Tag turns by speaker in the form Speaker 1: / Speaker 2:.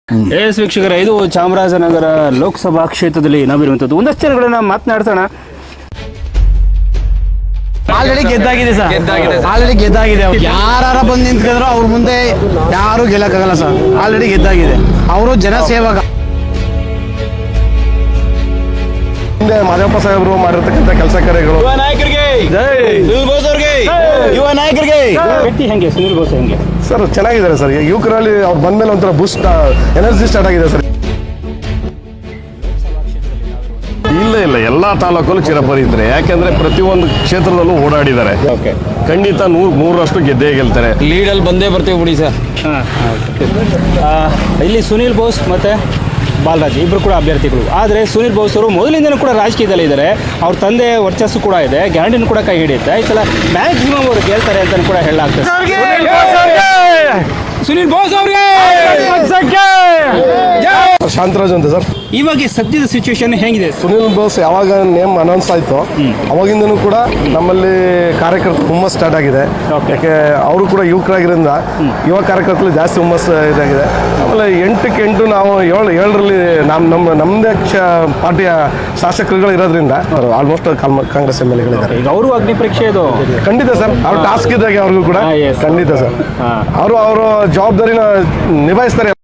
Speaker 1: S ವೀಕ್ಷಕರ, ಇದು ಚಾಮರಾಜನಗರ ಲೋಕಸಭಾ ಕ್ಷೇತ್ರದಲ್ಲಿ ನಾವಿರುವಂಥದ್ದು. ಒಂದಷ್ಟು ಜನಗಳನ್ನ ಮಾತನಾಡ್ಸೋಣ.
Speaker 2: ಆಲ್ರೆಡಿ ಗೆದ್ದಾಗಿದೆ ಸರ್, ಆಲ್ರೆಡಿ ಗೆದ್ದಾಗಿದೆ. ಯಾರ ಬಂದು ನಿಂತ್ಕೊಂಡ್ರು ಅವ್ರ ಮುಂದೆ ಯಾರು ಗೆಲ್ಲಕ್ಕಾಗಲ್ಲ ಸರ್. ಆಲ್ರೆಡಿ ಗೆದ್ದಾಗಿದೆ. ಅವರು ಜನಸೇವಕ.
Speaker 3: ಹಿಂದೆ ಮಾದೇವಪ್ಪ ಸಾಹೇಬರು ಮಾಡಿರ್ತಕ್ಕಂಥ ಕೆಲಸ ಕಾರ್ಯಗಳು,
Speaker 2: ಯುವ ನಾಯಕರಿಗೆ ಸುನಿಲ್ ಬೋಸ್ ಅವ್ರಿಗೆ, ಯುವ ನಾಯಕರಿಗೆ.
Speaker 1: ವ್ಯಕ್ತಿ ಹೆಂಗೆ ಸುನಿಲ್ ಬೋಸ್ ಹೆಂಗೆ
Speaker 3: ಸರ್ ಚೆನ್ನಾಗಿದ್ದಾರೆ ಸರ್. ಯುವಕರಲ್ಲಿ ಅವ್ರು ಬಂದ್ಮೇಲೆ ಒಂಥರ ಬೂಸ್ಟ್ ಎನರ್ಜಿ ಸ್ಟಾರ್ಟ್ ಆಗಿದೆ ಸರ್. ಇಲ್ಲ ಎಲ್ಲ ತಾಲೂಕಲ್ಲೂ ಚಿರಪರಿ ಇದ್ದಾರೆ. ಯಾಕೆಂದ್ರೆ ಪ್ರತಿಯೊಂದು ಕ್ಷೇತ್ರದಲ್ಲೂ ಓಡಾಡಿದ್ದಾರೆ. ಖಂಡಿತ 100% ಗೆದ್ದೇ ಗೆಲ್ತಾರೆ.
Speaker 2: ಲೀಡಲ್ಲಿ ಬಂದೇ ಬರ್ತೀವಿ ಬಿಡಿ ಸರ್.
Speaker 1: ಇಲ್ಲಿ ಸುನಿಲ್ ಬೋಸ್ ಮತ್ತೆ ಬಾಲರಾಜ್ ಇಬ್ಬರು ಕೂಡ ಅಭ್ಯರ್ಥಿಗಳು. ಆದರೆ ಸುನಿಲ್ ಬೋಸ್ ಅವರು ಮೊದಲಿಂದನೂ ಕೂಡ ರಾಜಕೀಯದಲ್ಲಿ ಇದ್ದಾರೆ. ಅವ್ರ ತಂದೆ ವರ್ಚಸ್ಸು ಕೂಡ ಇದೆ, ಗ್ಯಾರಂಟಿನೂ ಕೂಡ ಕೈ ಹಿಡಿಯುತ್ತೆ. ಈ ಸಲ ಮ್ಯಾಕ್ಸಿಮಮ್ ಅವರು ಗೆಲ್ತಾರೆ ಅಂತ ಕೂಡ ಹೇಳಲಾಗ್ತದೆ. ಸುನಿಲ್ ಬೋಸ್ ಅವ್ರಿಗೆ
Speaker 3: ಶಾಂತರಾಜ್ ಅಂತ ಸರ್.
Speaker 1: ಇವಾಗ ಸದ್ಯದ ಸಿಚುವೇಶನ್ ಹೇಗಿದೆ?
Speaker 3: ಸುನಿಲ್ ಬೋಸ್ ಯಾವಾಗ ನೇಮ್ ಅನೌನ್ಸ್ ಆಯಿತು ಅವಾಗಿಂದನೂ ಕೂಡ ನಮ್ಮಲ್ಲಿ ಕಾರ್ಯಕರ್ತರು ಹುಮ್ಮಸ್ ಸ್ಟಾರ್ಟ್ ಆಗಿದೆ. ಯಾಕೆ ಅವರು ಕೂಡ ಯುವಕರಾಗಿರೋದ್ರಿಂದ ಯುವ ಕಾರ್ಯಕರ್ತರು ಜಾಸ್ತಿ ಹುಮ್ಮಸ್ ಇದಾಗಿದೆ. ಆಮೇಲೆ 8ಕ್ಕೆ 8 ನಾವು 7ರಲ್ಲಿ ನಮ್ಮದೇ ಪಾರ್ಟಿಯ ಶಾಸಕರುಗಳು ಇರೋದ್ರಿಂದ ಆಲ್ಮೋಸ್ಟ್ ಕಾಂಗ್ರೆಸ್ MLAಗಳಿದ್ದಾರೆ.
Speaker 1: ಈಗ ಅವರು ಅಗ್ನಿ ಪರೀಕ್ಷೆ ಇದು
Speaker 3: ಖಂಡಿತ ಸರ್. ಅವ್ರ ಟಾಸ್ಕ್ ಇದ್ದಾಗ ಅವ್ರಿಗೂ ಕೂಡ ಖಂಡಿತ ಸರ್ ಅವರು ಜವಾಬ್ದಾರಿನ ನಿಭಾಯಿಸ್ತಾರೆ.